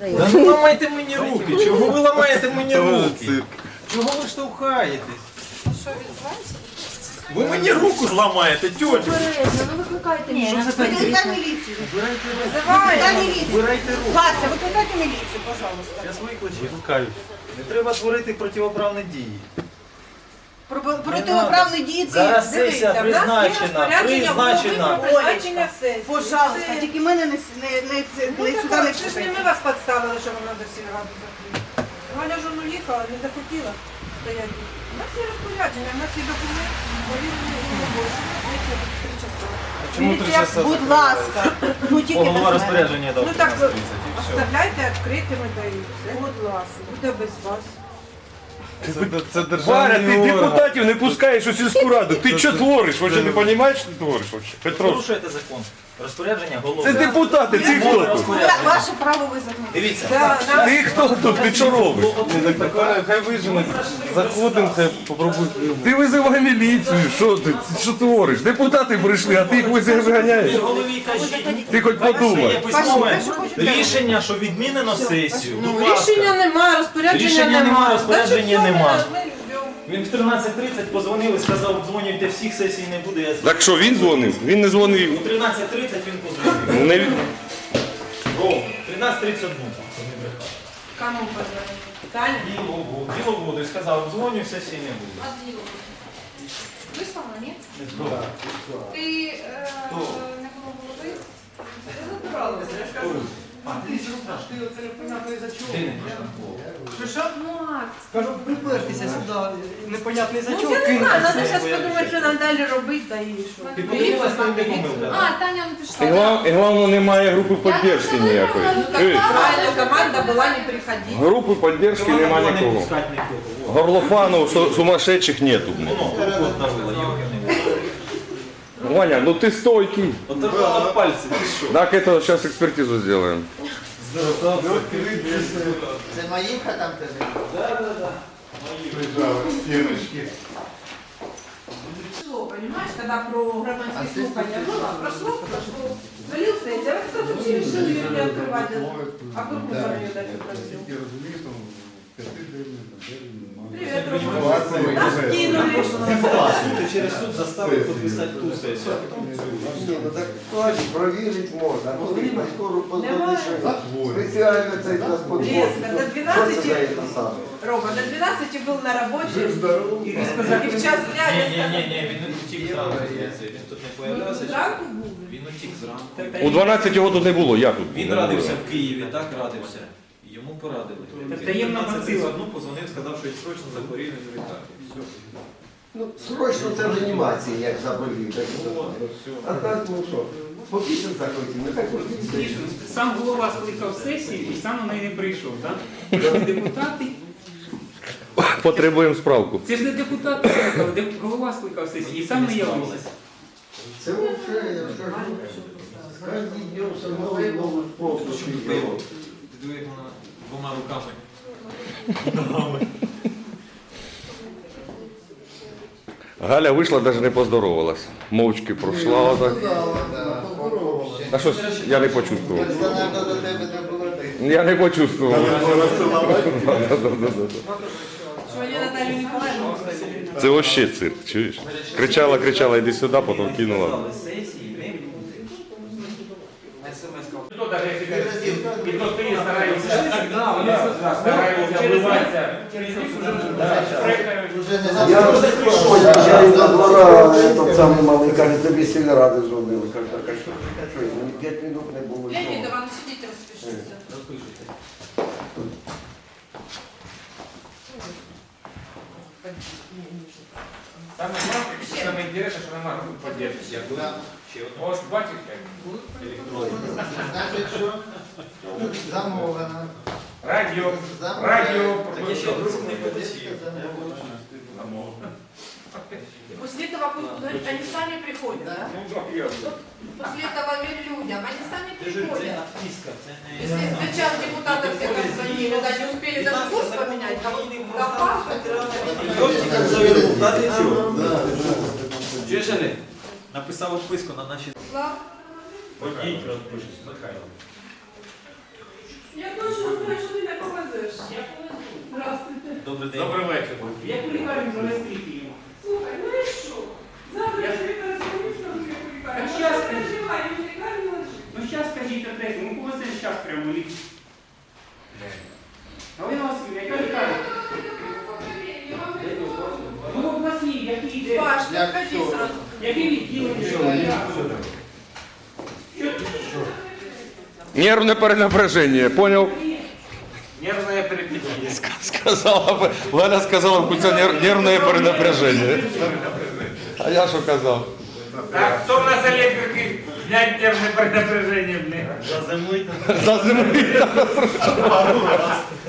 Да не ламайте мені руки, чого ви ламаєте мені руки? Чого ви штовхаєтесь? Що відбувається? Ви мені руку зламаєте, тьотю! Обережно, ну викликайте міліцію. Викликай міліцію. Вибирайте руку. Вибирайте руку. Вася, викликайте міліцію, пожалуйста. Я свої викликаю. Не треба творити протиправні дії. Протиправні дії це Зараз сесія призначена. призначення сесії. Пожалуйста, тільки мене не сюди не Це ж не чіпайте. ми вас підставили, що вона до сільради закрила. Галя ж ну їхала, не захотіла стояти. У нас є розпорядження, у нас є документ, повірені і не більше. Сесія 3 часа. Чому 3 Міліція, часа? будь ласка. Ну тільки без Голова мене. розпорядження дав. Ну так, 15:30 і все. оставляйте відкритими та і все. Будь ласка. Буде без вас. Це Варя, державний ти орган. депутатів не пускаєш у сільську раду. Ти що твориш? Ви що не розумієш, що ти твориш? Петро, Порушуєте закон. Розпорядження голови. це депутати, ти хто тут? Ваше право визнати. Дивіться. Ти хто тут? Ти що робиш? Хай виженуть. Заходимо, хай попробують. Ти визивай міліцію, що ти? Що твориш? Депутати прийшли, а ти їх виганяєш. Голові кажіть. Ти хоч Є подумай. письмове рішення, що відмінено сесію. Будь Ну, ласка. рішення нема, розпорядження Рішення нема, розпорядження Значить, нема. все, ми йдемо. Він в 13:30 позвонив і сказав, дзвонюйте, всіх сесій не буде. Я Так що він дзвонив? Він не у дзвонив. 13:30 він позвонив. Не... Ром, 13:31. Кому позвонили? Таня? Діловоду і сказав, дзвоню, сесії не буде. А діло? Вислала, ні? Так. Ти не було голови? Де не прийшла? Ну, акт. Кажу, припертися сюди, непонятний Ну, зачок я не знаю, кинувся. треба зараз подумати, що нам далі робити, та і що. Ти подивилась, там де помилка? А, Таня не пішла. І головне, немає групи підтримки ніякої. Чуєш? Правильно, команда була не приходити. Групи підтримки Команда немає була не нікого. пускати нікого. Горлофанов сумасшедших нету. Воно, кот давила, йоки не було. Ваня, ну ти стойкий. Оторвала пальці, ти що? Так, это сейчас экспертизу сделаем. Це Маївка там тебе? Прошло, понимаешь, когда про громадские слухания было, прошло, залился, и вот кто-то вообще решил ее не открывать, а Куркусов ее дальше просил. Привет, Рома. Нас кинули. Ти через суд заставив підписати ту сесію. Ні, ну так точно, провірити можна. А коли на скору позвонити, що спеціально цей транспорт. Резко, до 12, Рома, до 12 был на работе, и в час дня резко... Ні, він утік зранку. Він тут не появлявся. Зранку був? Він утік зранку. У 12 його тут не було, я тут. Він радився в Києві, так радився. Йому порадили. Таємна Він мотива. одну позвонив, сказав, що срочно захворів, він відтак. Ну, срочно це в реанімації, як заболів. Так, а так, ну що, по пісенцях хотів, нехай по пісенцях. Сам голова скликав сесію і сам на неї не прийшов, так? Депутати. Потребуємо справку. Це ж не депутати скликали, голова скликав сесію і сам не явився. Це взагалі, я скажу, кожен день все новий спосіб. Ти диви, як вона двома руками. Ногами. Галя вийшла, навіть не поздоровалась. Мовчки пройшла отак. А щось я не почувствував. Персонально до тебе не було ти. Я не почувствував. Что они Наталью Николаевну оставили? Це вообще цирк, чуєш? Кричала, іди сюди, потім кинула. Сесії не буде. Хто навіть і то ти старається, старається вбиватися через Я приїжджаю до двора, этот самий малий, каже, тобі сільради зробили. Каже, так, а що, мені 5 минут не було. і Леонід, того. вам сидіть, розпишіться. Розпишете. Саме інтересне, що немає групи підтримки. Ось бачиш, як? Значить, що? Замовлено. Радіо. Так я ще друг не подосів. После этого пусть говорит, они сами приходят. После этого верь людям, они сами приходят. Тиска, це не... Если за час депутатов всех обзвонили, да, не успели даже курс поменять, а вот Гафар, Йоптика за результати чого? Чуєш, Олег? Написав відписку на наші... Слав, Ходіть, розпишись, Михайло. Я точно знаю, що ти не повезеш. Здравствуйте. Добрий день. Добрий вечір. Як у лікарню занести його? Слухай, ну і що? Завтра я тобі перезвоню, скажу, як у лікарні. Так Може, щас не ти. переживай, він в лікарні лежить. Ну зараз скажіть адресу, ну повеземо зараз прямо в лікарню. Галина Васильівна, яка лікарня? Ну обласні, які йде? Паш, ну ходи сразу. Які відділення? Нервне перенапряження, поняв? Нервне переключення. Сказала, Галя сказала, в кінці нервне перенапряження. А я що казав? Так, хто в нас електрики? Знять нервне перенапряження в них. Зазимуйте. За зимою.